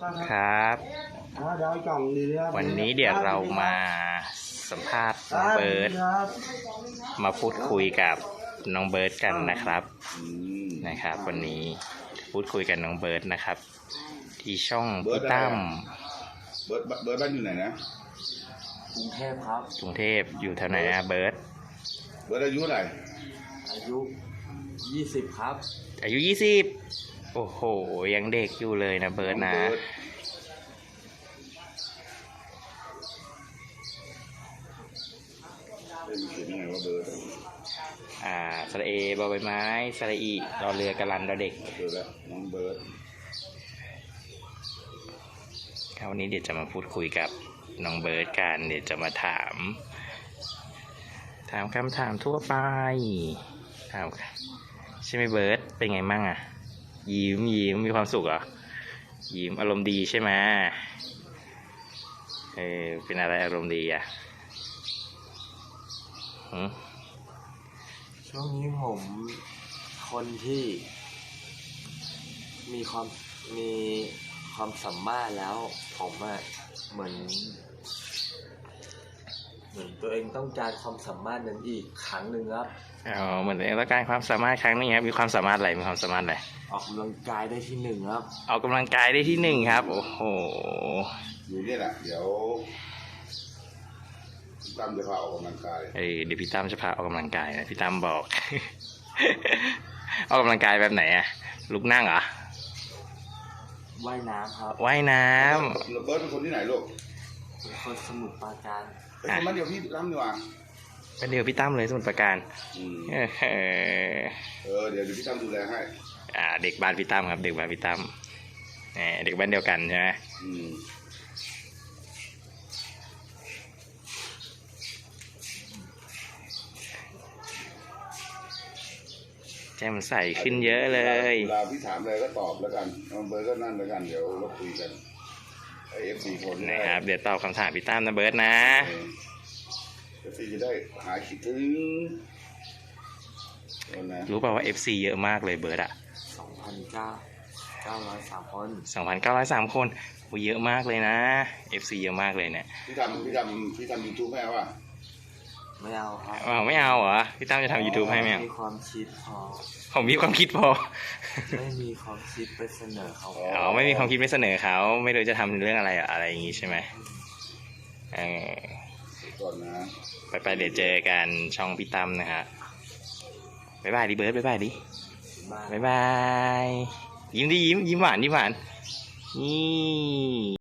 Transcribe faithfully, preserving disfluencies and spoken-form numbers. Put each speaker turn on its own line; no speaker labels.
ครับวันนี้เดี๋ยวเรามาสัมภาษณ์น้องเบิร์ดมาพูดคุยกับน้องเบิร์ดกันนะครับนะครับวันนี้พูดคุยกับน้องเบิร์ดนะครับที่ช่องพี่ตั้ม
เบิร์ดเบิร์ดบ้านอยู่ไหนนะ
กรุงเทพครับ
กรุงเทพอยู่แถวไหนนะเบิร์ด
เบิร์ดอายุเท่าไหร่
อายุยี่สิบครับ
อายุยี่สิบโอ้โหยังเด็กอยู่เลยนะเบิร์ดนะ
เขียนยังไงว่าเบิร์ด
อ่าสระเอบอใบไม้สระอีรอเรือกระลันรอเด็ก
เจอแล้วน้องเบิร์ด
ครับวันนี้เดี๋ยวจะมาพูดคุยกับน้องเบิร์ดกันเดี๋ยวจะมาถามถามคำถามทั่วไปถามใช่ไหมเบิร์ดเป็นไงมั่งอ่ะยิ้มยิ้มมีความสุขเหรอยิ้มอารมณ์ดีใช่ไหมเออเป็นอะไรอารมณ์ดีอ่ะ
ช่วงนี้ผมคนที่มีความมีความสามารถแล้วผมอะเหมือนเหมือนตัวเองต้องการความสามารถนั้นอีกครั้งหนึ่งครับ
อ๋อเหมือนตัวเองต้องการความสามารถครั้งนึงครับมีความสามารถอะไรมีความสามารถอะไร
ออกกำลังกายได้ที่หนึ่งครับ
ออกกำลังกายได้ที่หนึ่งครับโอ้โห
อยู่นี่แหละเดี๋ยวพี่ตั้มจะพาออกกำลังกาย
เออเดี๋ยวพี่ตั้มจะพาออกกำลังกายนะพี่ตั้มบอก ออกกำลังกายแบบไหนอะลุกนั่งเหรอ
ว่ายน้ำครับ
ว่ายน้
ำเบิร์ดเป็นคนที่ไหนลูก
เป็นคนสมุทรปราการ
เป็นคนมาเดียวพี่ตั้มดีกว่า
เป็นเดียวพี่ตั้มเลยสมุทรปราการ
เออเดี๋ยวพี่ตั้มดูแลให้
อ่าเด็กบ้านพี่ตั้มครับเด็กบ้านพี่ตั้มเด็กบ้านเดียวกันใช่ไหมแจ่มใสขึ้นเยอะเลย
เวลาพี่ถามอะไรก็ตอบแล้วกันน้องเบิร์ดก็นั่นแล้วกันเดี๋ยวเราคุยกันไอเอฟซีคน
นะครับเดี๋ยวตอบคำถามพี่ตั้มนะเบิร์ดนะ
เอฟซีจะได้หายคิดถึง
รู้ป่าวว่าเอฟซีเยอะมากเลยเบิร์ดอ่ะ
สองพันเก้าเก้าร้อยสามคน
สองพันเก้าร้อยสามคนโอ้เยอะมากเลยนะเอฟซีเยอะมากเลยเนี่ย
พี่ทำพี่ทำพี่ทำยูทูบแม่ว่ะ
ไม่เอาครับ
อ๋อไม่เอาเหรอพี่ตั้มจะทำ YouTube ให้ไหม
มีความคิดพอ
ผมมีความคิดพอ
ไม่มีความคิดไปเสนอเขา
อ๋อไม่มีความคิดไปเสนอเขาไม่รู้จะทำเรื่องอะไรอะไรอย่างงี้ใช่ไหมเออ
ก่อนนะ
ไปไปเดี๋ยวเจอกันช่องพี่ตั้มนะฮะบ๊ายบายดิเบิร์ดบ๊ายบายดิบ๊ายบายยิ้มดิยิ้มยิ้มหวานยิ้มหวานนี่